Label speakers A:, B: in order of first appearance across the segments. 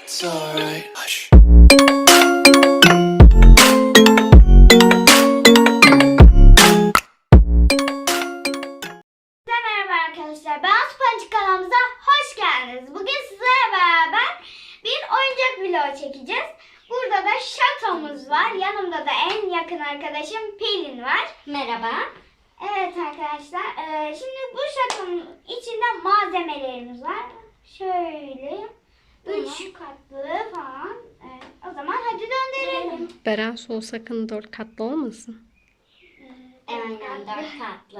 A: It's alright. Hush.
B: Merhaba arkadaşlar, ben Spancık kanalımıza hoş geldiniz. Bugün sizlerle beraber bir oyuncak vlogu çekeceğiz. Burada da şatomuz var. Yanımda da en yakın arkadaşım Pelin var.
C: Merhaba.
B: Evet arkadaşlar, şimdi bu şatonun içinde malzemelerimiz var. Şöyle 3 katlı falan. Evet, o zaman hadi döndürelim.
D: Beren sol sakın 4 katlı olmasın.
C: Aynen 4 katlı.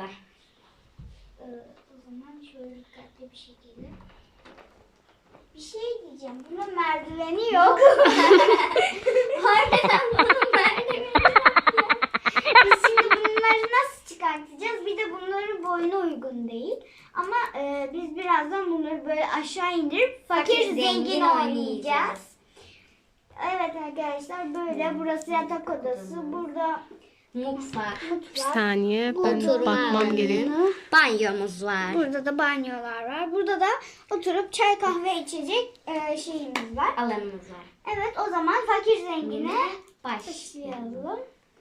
B: O zaman şöyle dikkatli bir şekilde. Bir şey diyeceğim. Bunun merdiveni yok.
C: Harbiden bunun merdiveni yok.
B: Biz şimdi bunları nasıl çıkartacağız? Bir de bunların boyuna uygun değil. Ama biz birazdan bunları böyle aşağı indirip fakir zengin oynayacağız. Evet arkadaşlar, böyle burası yatak odası. Burada
C: Mutfak.
D: Bir
B: mutfak.
D: saniye ben
C: Oturma
D: bakmam
C: alanı.
D: gerekiyor.
C: Banyomuz var.
B: Burada da banyolar var. Burada da oturup çay kahve içecek şeyimiz var.
C: Alanımız var.
B: Evet, o zaman fakir zengine
C: Başlayalım.
B: başlayalım.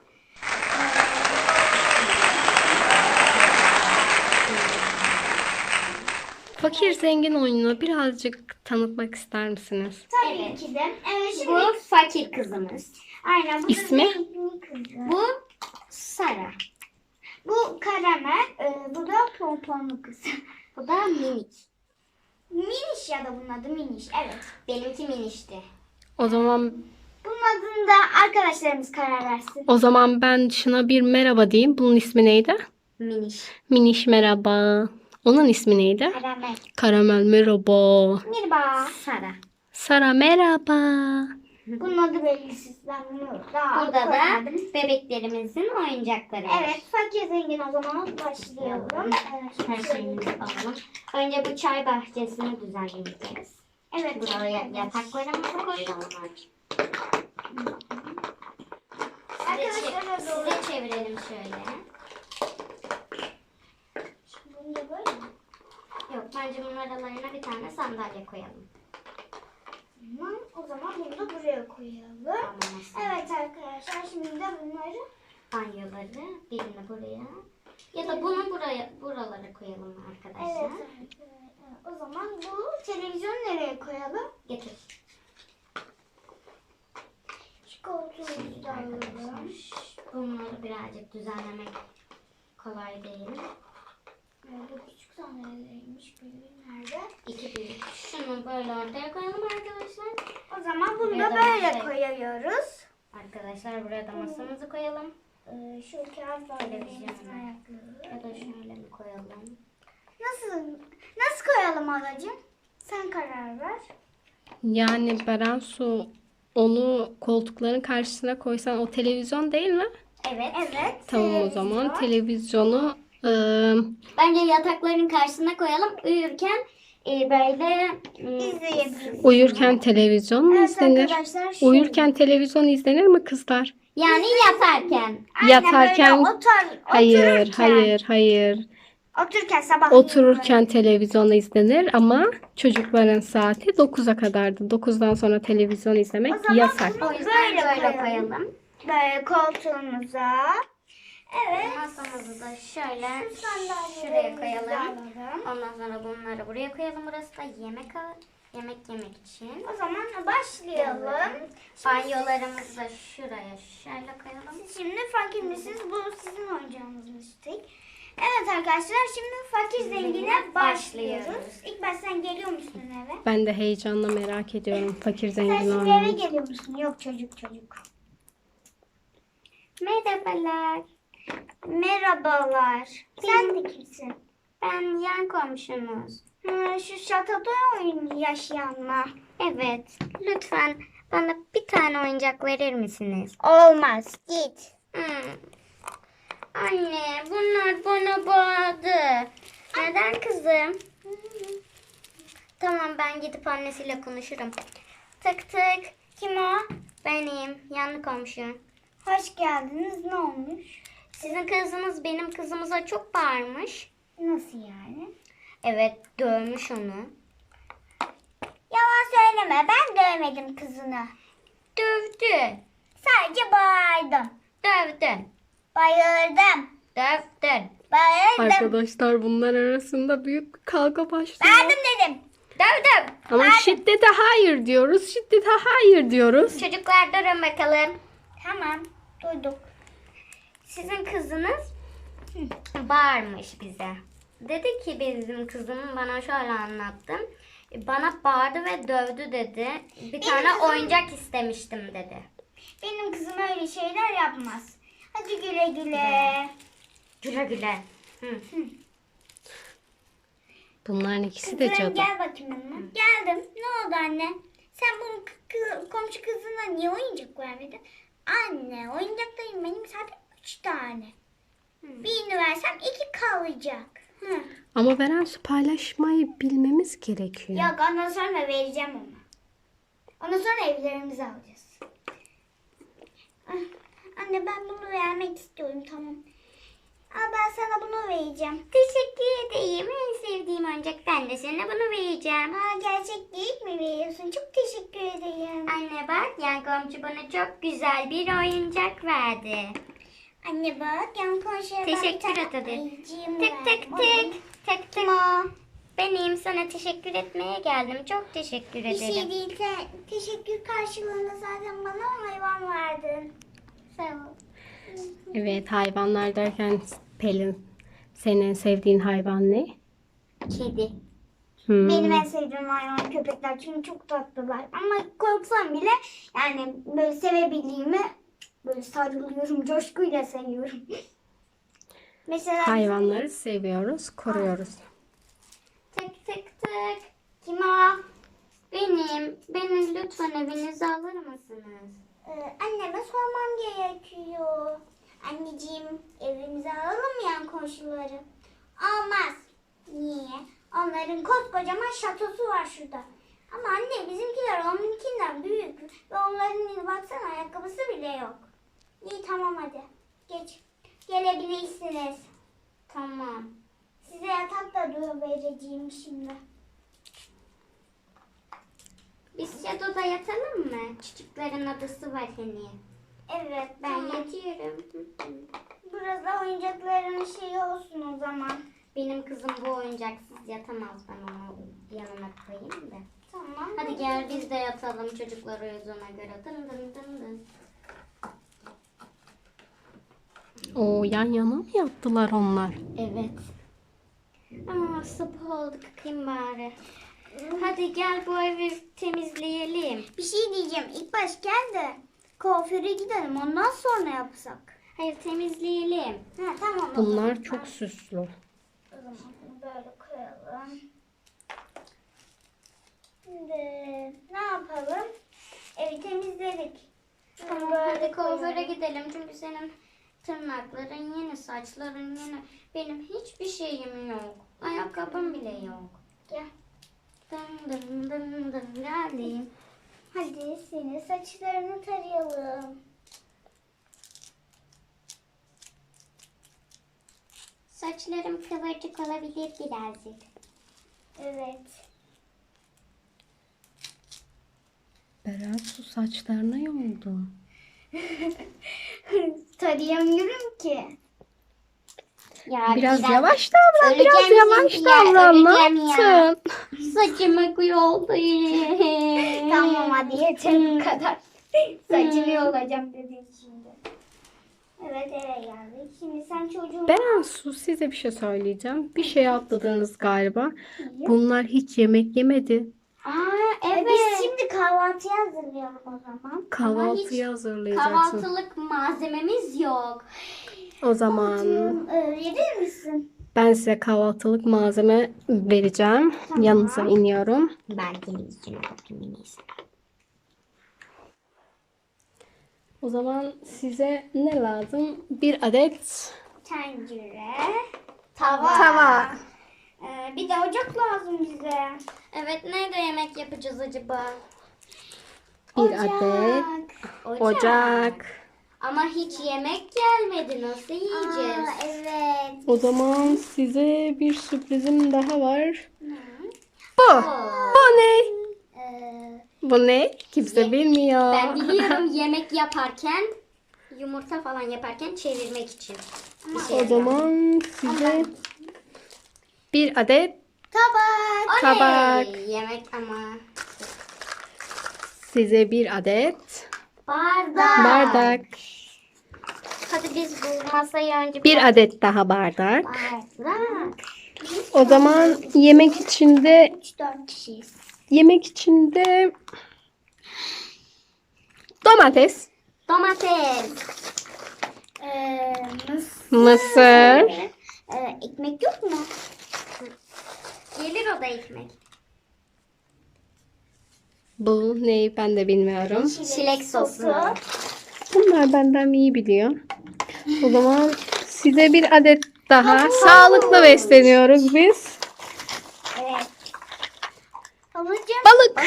D: Fakir zengin oyununu birazcık tanıtmak ister misiniz?
B: Tabii
C: Evet.
B: ki de. Evet, şimdi
C: Bu fakir kızımız.
B: aynen. Bu da
D: İsmi?
B: zengin kızı.
C: Bu Sara.
B: Bu karamel, bu da pomponlu kız.
C: Bu da minik.
B: Miniş ya da bunun adı Miniş. Evet.
C: Benimki minişti.
D: O zaman
B: Bunun adını da arkadaşlarımız karar versin.
D: ben şuna bir merhaba diyeyim. Bunun ismi neydi?
C: Miniş.
D: Miniş merhaba. Onun ismi neydi?
B: Karamel.
D: Karamel merhaba.
B: Merhaba.
C: Sara.
D: Sara merhaba.
B: Bunun adı belirsiz. Ben bunu daha
C: Burada da
B: koymadım.
C: bebeklerimizin oyuncakları var.
B: Evet, fakir zengin o zaman başlayalım. Evet,
C: Her şeyimizi alalım. Önce bu çay bahçesini düzenleyeceğiz.
B: Evet.
C: Buraya yataklarımızı koyalım.
B: Arkadaşlar
C: Size çevirelim şöyle.
B: Bunu da böyle mi?
C: Yok, bence bunun aralarına bir tane sandalye koyalım.
B: Tamam, o zaman bunu da buraya koyalım.
C: Tamam.
B: Evet arkadaşlar, şimdi de bunları
C: Banyoları birini buraya ya da bunu buralara koyalım arkadaşlar.
B: evet. O zaman bu televizyonu nereye koyalım?
C: Getir.
B: Şu koltuğumuzu da alalım.
C: Bunları birazcık düzenlemek kolay değil.
B: Bu küçük sandalyeymiş. Büyüğü nerede?
C: İki büyük. Şunu böyle ortaya koyalım arkadaşlar.
B: O zaman bunu
C: Buraya
B: da
C: da
B: böyle
C: şey-
B: koyuyoruz.
C: Arkadaşlar buraya da masamızı koyalım.
B: Şu kağıt var.
C: Televizyon.
B: Ayakları.
C: Ya da şöyle mi koyalım?
B: Nasıl koyalım halacığım? Sen karar ver.
D: Yani Beren Su, onu koltukların karşısına koysan o televizyon değil mi?
C: Evet.
B: Evet.
D: Tamam, o zaman televizyonu
C: Bence yatakların karşısına koyalım. Uyurken böyle
B: İzleyebiliriz.
D: uyurken televizyon mu
B: Evet
D: izlenir?
B: arkadaşlar, şöyle.
D: Uyurken televizyon izlenir mi kızlar?
C: yani yatarken.
B: Aynen
D: Yatarken
B: böyle
D: hayır,
B: otururken.
D: hayır.
B: Otururken sabah.
D: Otururken televizyon izlenir ama çocukların saati 9'a kadardı. 9'dan sonra televizyon izlemek
B: O zaman
D: yasak.
B: bunu
C: O yüzden böyle
B: koyalım.
C: koyalım.
B: Böyle koltuğumuza. Evet.
C: Masamızı da şöyle
B: Şu sandalyelerimizi
C: şuraya
B: de
C: koyalım.
B: alalım.
C: Ondan sonra bunları buraya koyalım. Burası da yemek yemek için.
B: O zaman başlayalım.
C: Banyolarımızı da şuraya şöyle koyalım.
B: Siz şimdi fakir misiniz? Bu sizin oyuncağınız müstik. Evet arkadaşlar, şimdi fakir zengine başlıyoruz. İlk baş sen geliyor musun eve?
D: Ben de heyecanla merak ediyorum fakir
B: Sen
D: zengin
B: şimdi eve
D: olmayı.
B: geliyor musun? Yok, çocuk.
C: Merhabalar.
B: Merhabalar. Sen de kimsin?
C: Ben yan komşunuz.
B: Şu şatoda yaşayan mı?
C: Evet. Lütfen bana bir tane oyuncak verir misiniz?
B: Olmaz. Git.
C: Anne, bunlar bana bağırdı. Neden kızım? Tamam, ben gidip annesiyle konuşurum. Tık tık.
B: Kim o?
C: Benim yan komşu.
B: Hoş geldiniz. Ne olmuş?
C: Sizin kızınız benim kızımıza çok bağırmış.
B: Nasıl yani?
C: Evet, dövmüş onu.
B: Yalan söyleme. Ben dövmedim. dövemedim kızını.
C: Dövdün.
B: Sadece bağırdım.
C: Dövdün.
B: Bağırdım.
C: Dövdün.
B: Bağırdım.
D: Arkadaşlar bunlar arasında büyük bir kavga başlıyor.
B: Bağırdım dedim.
C: Dövdüm.
D: Ama şiddete hayır diyoruz. Şiddete hayır diyoruz.
C: Çocuklar durun bakalım.
B: Tamam. Duyduk.
C: Sizin kızınız bağırmış bize. Dedi ki bizim kızım bana şöyle anlattım. Bana bağırdı ve dövdü dedi. Bir tane
B: kızım-
C: oyuncak istemiştim dedi.
B: Benim kızım öyle şeyler yapmaz. Hadi güle güle.
C: Güle güle. Hı.
D: Bunların ikisi de
B: Kızım
D: cadı.
B: gel bakayım yanıma. Geldim. Ne oldu anne? Sen bu komşu kızına niye oyuncak vermedin? Anne oyuncaklarım benim zaten 3 tane. Birini versem 2 kalacak. Hı.
D: Ama Berensu paylaşmayı bilmemiz gerekiyor.
B: Yok ondan sonra vereceğim ona. Ondan sonra evlerimizi alacağız. Ah, anne ben bunu vermek istiyorum tamam. Al ben sana bunu vereceğim.
C: Teşekkür edeyim. En sevdiğim oyuncak. Ben de sana bunu vereceğim.
B: Aa, gerçek değil mi veriyorsun? Çok teşekkür ederim.
C: Anne bak yan komşu bana çok güzel bir oyuncak verdi.
B: Anne bak yan komşuya
C: Teşekkür ederim. Tık tık tık. Tık tık. Benim sana teşekkür etmeye geldim. Çok teşekkür
B: Bir şey
C: ederim.
B: değil. Teşekkür karşılığında zaten bana hayvan verdin. Sağ ol.
D: Evet, hayvanlar derken Pelin, senin sevdiğin hayvan ne?
C: Kedi.
B: Benim en sevdiğim hayvan köpekler çünkü çok tatlılar. Ama korksam bile yani böyle sevebildiğimi böyle sarılıyorum, coşkuyla seviyorum. Mesela
D: Hayvanları seviyoruz, koruyoruz.
C: Tık tık tık.
B: kim o?
C: Benim. Beni lütfen evinize alır mısınız?
B: Anneme sormam gerekiyor. Anneciğim evimize alalım mı yan komşuları? Olmaz. Niye? Onların koskocaman şatosu var şurada. Ama anne bizimkiler onunkinden büyük. Ve onların baksana ayakkabısı bile yok. İyi tamam hadi. Geç. Gelebilirsiniz.
C: Tamam.
B: Size yatak da vereceğim şimdi.
C: Biz şatoda yatalım mı? Çocukların adası var hani.
B: Evet
C: Ben
B: tamam.
C: yatıyorum.
B: Burada oyuncakların şeyi olsun o zaman.
C: Benim kızım bu oyuncaksız yatamaz. Ben onu yanına koyayım da.
B: Tamam.
C: Hadi gel biz de yatalım çocuklar uyuduğuna göre. Dın dın dın dın.
D: Oo, yan yana mı yattılar onlar?
C: Evet. Aa, sabah oldu kıkayım bari. Hadi gel bu evi temizleyelim.
B: Bir şey diyeceğim. İlk baş gel de kuaföre gidelim. Ondan sonra yapsak.
C: Hayır temizleyelim.
B: Ha tamam. o
D: Bunlar
B: zaman.
D: çok süslü.
B: O zaman bunu böyle koyalım. Şimdi ne yapalım? Evi temizledik.
C: Tamam
B: Böyle
C: hadi kuaföre
B: koyalım.
C: gidelim çünkü senin tırnakların yeni, saçların yeni. Benim hiçbir şeyim yok. Ayakkabım bile yok.
B: Gel.
C: Dın dın dın dın geldim.
B: Hadi senin saçlarını tarayalım.
C: Saçlarım kıvırcık olabilir birazcık.
B: Evet.
D: Berensu saçlarına yoldu.
B: Tarayamıyorum ki.
C: Ya
D: Biraz yavaş davran,
C: Öleceğim
D: biraz yavaş
C: şimdi ya,
D: davran. Ne
C: öleceğim ya.
D: yaptın?
C: Saçımı yoldu.
B: Tamam hadi yeter bu kadar. Saçını yolacağım dedin şimdi. Evet eve geldik. Şimdi sen çocuğun...
D: Berensu, size bir şey söyleyeceğim. Bir şey atladınız galiba. Bunlar hiç yemek yemedi.
C: Aa
B: Evet. Biz şimdi kahvaltı hazırlayalım o zaman.
D: Kahvaltıyı hazırlayacaksın.
C: Kahvaltılık malzememiz yok.
D: O zaman
B: Verir misin?
D: ben size kahvaltılık malzeme vereceğim.
B: Tamam.
D: Yanınıza iniyorum.
C: Ben televizyona bakayım en iyisi.
D: O zaman size ne lazım? Bir adet
B: Tencere, tava.
D: tava.
B: Bir de ocak lazım bize.
C: Evet nerede yemek yapacağız acaba?
D: Bir adet ocak.
C: Ama hiç yemek gelmedi. Nasıl yiyeceğiz?
B: Aa, evet.
D: O zaman size bir sürprizim daha var. Bu. Bu ne? Bu ne? Kimse bilmiyor.
C: Ben biliyorum, yemek yaparken, yumurta falan yaparken çevirmek için. İşe
D: O
C: yarıyor.
D: zaman size bir adet
B: Tabak.
C: Oley!
D: tabak.
C: Yemek ama.
D: Size bir adet bardak.
C: Hadi biz bu masayı önce
D: Bir adet daha bardak.
C: bardak.
D: O zaman yemek içinde
B: 3-4 kişiyiz.
D: domates,
C: Domates.
D: mısır,
B: Ekmek yok mu?
C: Gelir o da ekmek.
D: bu ne ben de bilmiyorum.
C: Çilek sosu.
D: Bunlar benden iyi biliyor. O zaman size bir adet daha sağlıklı besleniyoruz biz.
B: Evet. Havucum.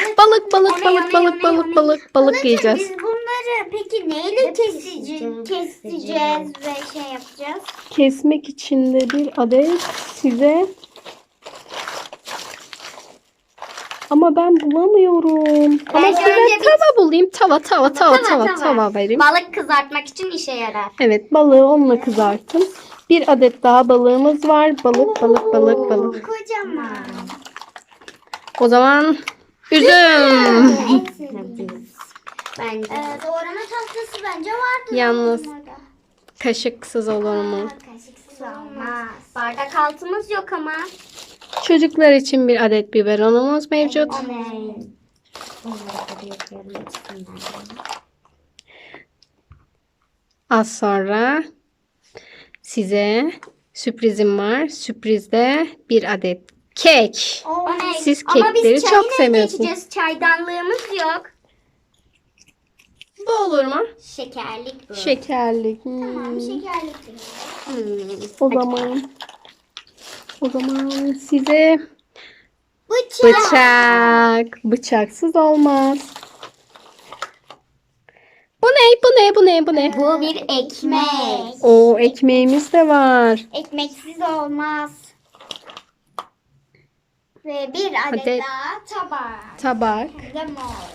D: Balık yiyeceğiz.
B: Biz bunları peki neyle keseceğiz ve şey yapacağız?
D: Kesmek için de bir adet size. Ama ben bulamıyorum. Ama
C: Bence
D: size
C: önce bir-
D: tava bulayım. Tava vereyim.
C: Balık kızartmak için işe yarar.
D: Evet, balığı onunla kızartın. Bir adet daha balığımız var. Balık.
B: Kocaman.
D: O zaman üzüm.
B: En sevdiğim.
C: Bence.
B: Doğrama tahtası bence vardı.
D: Yalnız
B: Orada.
D: kaşıksız olur mu?
B: Kaşıksız olmaz.
C: Bardak altımız yok ama.
D: Çocuklar için bir adet biberonumuz mevcut. Az sonra size sürprizim var. Sürprizde bir adet kek. Siz
C: Ama biz
D: kekleri
C: çayı
D: çok
C: nerede
D: seviyorsunuz.
C: içeceğiz? Çaydanlığımız yok.
D: Bu olur mu?
C: Şekerlik bu.
D: Şekerli.
B: Tamam şekerli.
D: O zaman size
B: Bıçak.
D: bıçaksız olmaz. Bu ne?
C: Bu bir ekmek.
D: O ekmeğimiz de var.
B: Ekmeksiz olmaz. Ve bir adet
D: Adet.
B: daha tabak.
D: Tabak.
B: Hem de mor.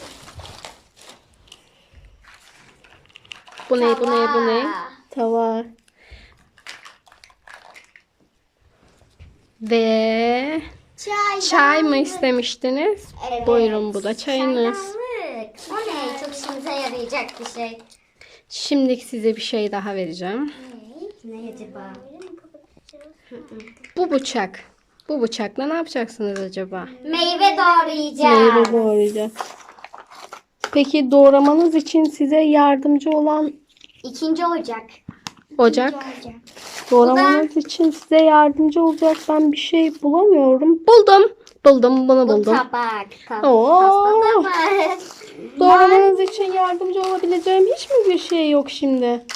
D: Bu ne? Tava. Ve çay mı istemiştiniz?
B: Evet.
D: Buyurun bu da çayınız.
C: Çaydanlık. O ne? Çok işimize yarayacak bir şey.
D: Şimdi size bir şey daha vereceğim.
C: Ne acaba?
D: Bu bıçak. Bu bıçakla ne yapacaksınız acaba?
C: Meyve doğrayacağız.
D: Meyve doğrayacağız. Peki doğramanız için size yardımcı olan
C: İkinci ocak.
D: ocak.
B: Olacak.
D: Doğramanız için size yardımcı olacak ben bir şey bulamıyorum. Buldum bunu
C: Bu
D: buldum.
C: tabak.
D: Oo.
C: Pasta tabak.
D: Doğramanız için yardımcı olabileceğim hiç mi bir şey yok şimdi?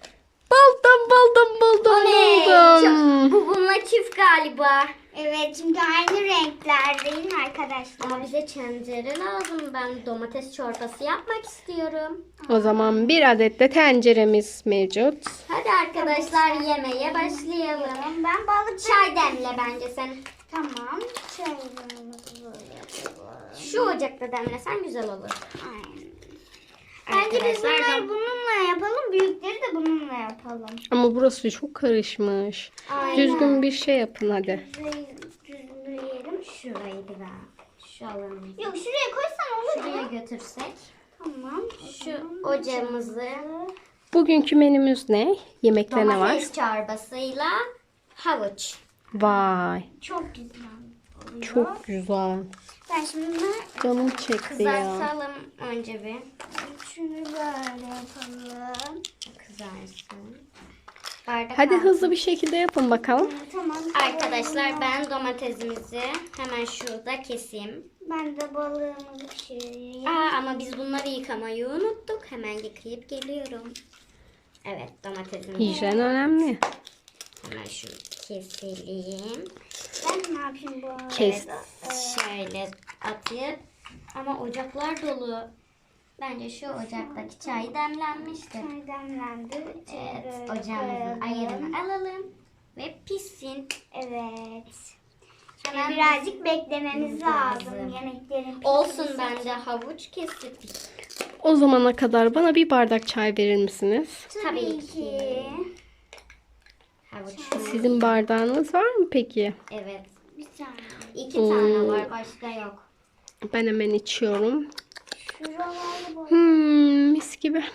D: Buldum.
C: O ne? Bu bununla çift galiba.
B: Evet çünkü aynı renkler değil mi arkadaşlar?
C: Ama bize tencere lazım. Ben domates çorbası yapmak istiyorum.
D: O zaman bir adet de tenceremiz mevcut.
C: Hadi arkadaşlar yemeğe başlayalım.
B: Ben balık
C: Çay demle bence sen.
B: Tamam. Çayımızı böyle yapalım.
C: Şu ocakta demlesen güzel olur.
B: Aynen. Bence biz
C: Arkadaşlar
B: bunları bununla yapalım. Büyükleri de bununla yapalım.
D: Ama burası çok karışmış.
C: Aynen.
D: Düzgün bir şey yapın hadi.
B: Düzleyelim.
C: Şurayı biraz. Şu alanı.
B: Yok şuraya koysan olur
C: Şuraya
B: mu?
C: götürsek.
B: Tamam.
C: Şu ocağımızı
D: Bugünkü menümüz ne? Yemekte ne var?
C: domates çorbasıyla havuç.
D: Vay.
B: Çok güzel.
D: Çok güzel.
B: Ben şimdi
D: Canım çekti ya.
C: Kızartalım önce bir.
B: şunu böyle yapalım.
C: Kızarsın. Bardak
D: Hadi
C: altı.
D: hızlı bir şekilde yapın bakalım.
B: Tamam.
C: Arkadaşlar ben domatesimizi hemen şurada keseyim.
B: Ben de balığımı pişireyim.
C: Ama biz bunları yıkamayı unuttuk. Hemen yıkayıp geliyorum. Evet domatesimizi
D: Hijyen önemli.
C: hemen şunu keselim.
B: Ben ne yapayım bu arada?
D: Kes.
C: Şöyle atıp ama ocaklar dolu. Bence şu ocaktaki çay demlenmiştir.
B: Çay demlendi.
C: Evet ocağımızın ayarını alalım ve pişsin.
B: Evet.
C: Hemen
B: birazcık beklememiz lazım
C: lazım.
B: yemeklerin.
C: olsun, ben de havuç kesip.
D: O zamana kadar bana bir bardak çay verir misiniz?
B: Tabii ki.
C: Havuç.
D: Sizin bardağınız var mı peki?
C: Evet.
B: Bir saniye.
C: 2 tane var, başka yok.
D: Ben hemen içiyorum.
B: Şuralarda boy.
D: Mis gibi.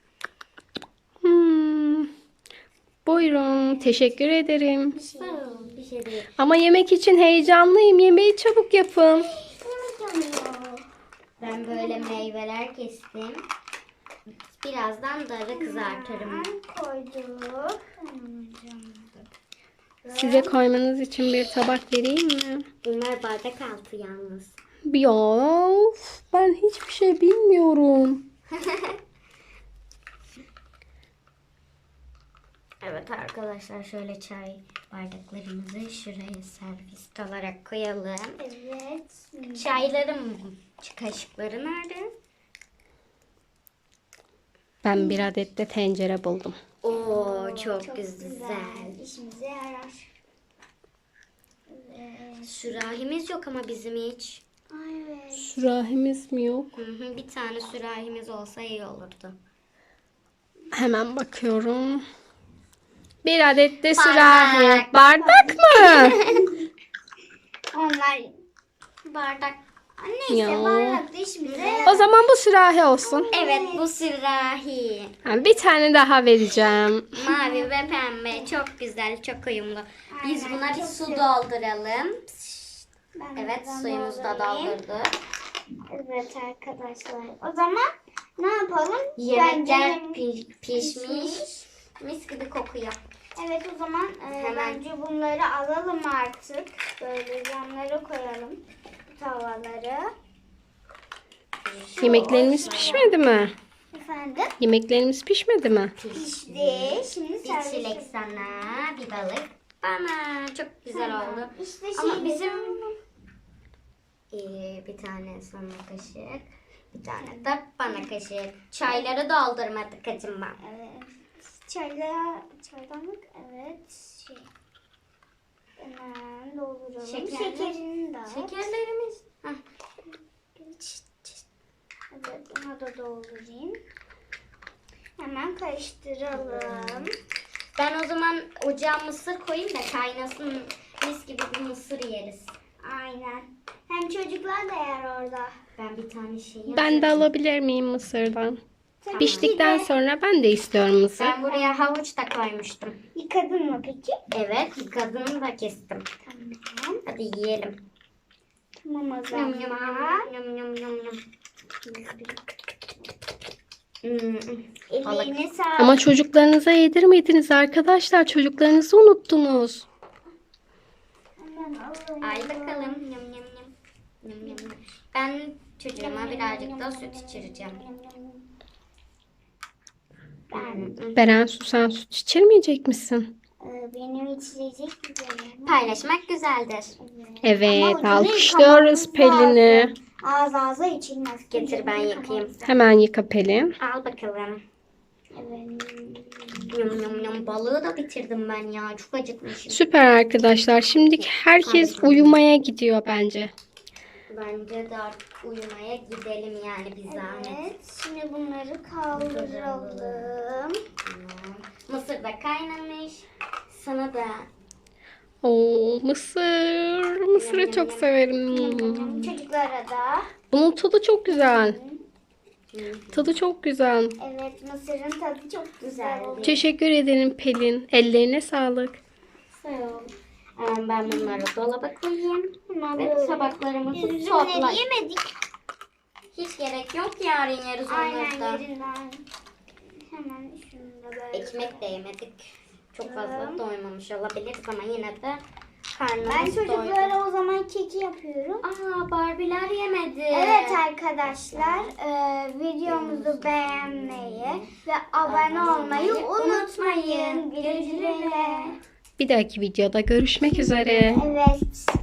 D: Buyurun. Teşekkür ederim.
C: Bir şey değil.
D: Ama yemek için heyecanlıyım. Yemeği çabuk yapın.
B: Yemek yanıyor.
C: Ben böyle meyveler kestim. Birazdan darı kızartırım.
B: Koyduk.
D: Size koymanız için bir tabak vereyim mi?
C: Bunlar bardak altı yalnız.
D: Ya of, ben hiçbir şey bilmiyorum.
C: Evet arkadaşlar, şöyle çay bardaklarımızı şuraya servis olarak koyalım.
B: Evet.
C: Çaylarım, kaşıkları nerede?
D: Ben bir adet de tencere buldum.
C: Oo, çok güzel.
B: İşimize yarar. Evet.
C: Sürahimiz yok ama bizim hiç.
B: Ay, evet.
D: Sürahimiz mi yok?
C: Bir tane sürahimiz olsa iyi olurdu.
D: Hemen bakıyorum. Bir adet de sürahi.
C: Bardak.
D: Bardak mı?
B: Onlar
C: Bardak.
B: neyse
D: Ya.
B: bardak da işimize
D: O zaman bu sürahi olsun.
C: Evet, bu sürahi.
D: Ha, bir tane daha vereceğim.
C: Mavi ve pembe. Çok güzel, çok uyumlu. Biz
B: Aynen,
C: buna bir
B: çok
C: su
B: güzel.
C: dolduralım.
B: Ben
C: Evet,
B: buradan
C: suyumuzu da
B: doldurayım.
C: doldurduk.
B: Evet arkadaşlar. O zaman ne yapalım?
C: Yemekler
B: Bence
C: pişmiş. Mis gibi kokuyor.
B: Evet, o zaman
C: Hemen.
B: bence bunları alalım artık. Böyle yanlara koyalım bu tavaları.
D: Yemeklerimiz pişmedi mi?
B: Efendim?
D: Yemeklerimiz pişmedi mi?
B: Pişti. Şimdi
C: Bir
B: servis
C: çilek sana, bir balık bana. Çok güzel oldu.
B: İşte
C: Ama
B: şey
C: bizim bir tane sana kaşık, bir tane de bana kaşık. Çayları doldurmadık acaba.
B: Evet. Çaydanlık, evet. Şey. Hemen dolduralım. Şekerini de at.
C: Şekerlerimiz. Heh.
B: Evet, ona da doldurayım. Hemen karıştıralım.
C: Ben o zaman ocağa mısır koyayım da kaynasın, mis gibi bir mısır yeriz.
B: Aynen. Hem çocuklar da yer orada.
C: Ben bir tane şey
D: Ben de
C: yapayım.
D: alabilir miyim mısırdan?
B: Tabii
D: Piştikten
B: ki de.
D: sonra ben de istiyorum mısır.
C: Ben buraya havuç da koymuştum.
B: Yıkadın mı peki?
C: Evet, yıkadığını da kestim.
B: Tamam.
C: Hadi yiyelim.
B: Tamam o
C: Yum
B: zaman.
C: yum yum yum yum yum. Balık.
B: Eline sağlık.
D: Ama çocuklarınıza yedirmediniz arkadaşlar. Çocuklarınızı unuttunuz.
B: Hemen alayım.
C: Ay bakalım. Yum yum yum. Yum yum yum. Ben çocuğuma birazcık da süt içireceğim.
D: Beren Su, sen süt içirmeyecek misin?
B: Benim içilecek güzelim.
C: Paylaşmak güzeldir.
D: Evet,
B: Ama ucunu
D: alkışlıyoruz
B: yıkamamız
D: Pelin'i.
B: lazım. Ağız ağza içilmez.
C: Getir, ben yıkayayım.
B: Yıkamamız
D: Hemen yıka Pelin.
C: Al bakalım.
B: Evet.
C: Yum yum yum. Balığı da bitirdim ben ya. Çok acıkmışım.
D: Süper arkadaşlar. Şimdi herkes uyumaya gidiyor bence.
C: Bence de artık uyumaya gidelim yani, bir zahmet.
B: Evet. Şimdi bunları kaldıralım.
C: Mısır da kaynamış. Sana da.
D: Oo, mısır. Mısırı çok severim.
B: Çocuklara da.
D: Bunun tadı çok güzel. Tadı çok güzel.
B: Evet, mısırın tadı çok güzel oluyor.
D: Teşekkür ederim Pelin. Ellerine sağlık.
B: Sağ ol.
C: Ben bunları dolaba koyayım.
B: Hemen
C: Ve
B: böyle.
C: tabaklarımızı
B: Biz
C: topla.
B: ürünleri yemedik.
C: Hiç gerek yok, yarın yeriz
B: Aynen
C: onları da.
B: yerinden. Hemen şunu da böyle.
C: Ekmek de yemedik. Çok fazla doymamış olabiliriz ama yine de karnımız
B: Ben
C: doydu.
B: çocuklara o zaman keki yapıyorum.
C: Aa, Barbie'ler yemedi.
B: Evet arkadaşlar, videomuzu beğenmeyi ve abone olmayı unutmayın. Güle güle.
D: Bir dahaki videoda görüşmek üzere.
B: Evet.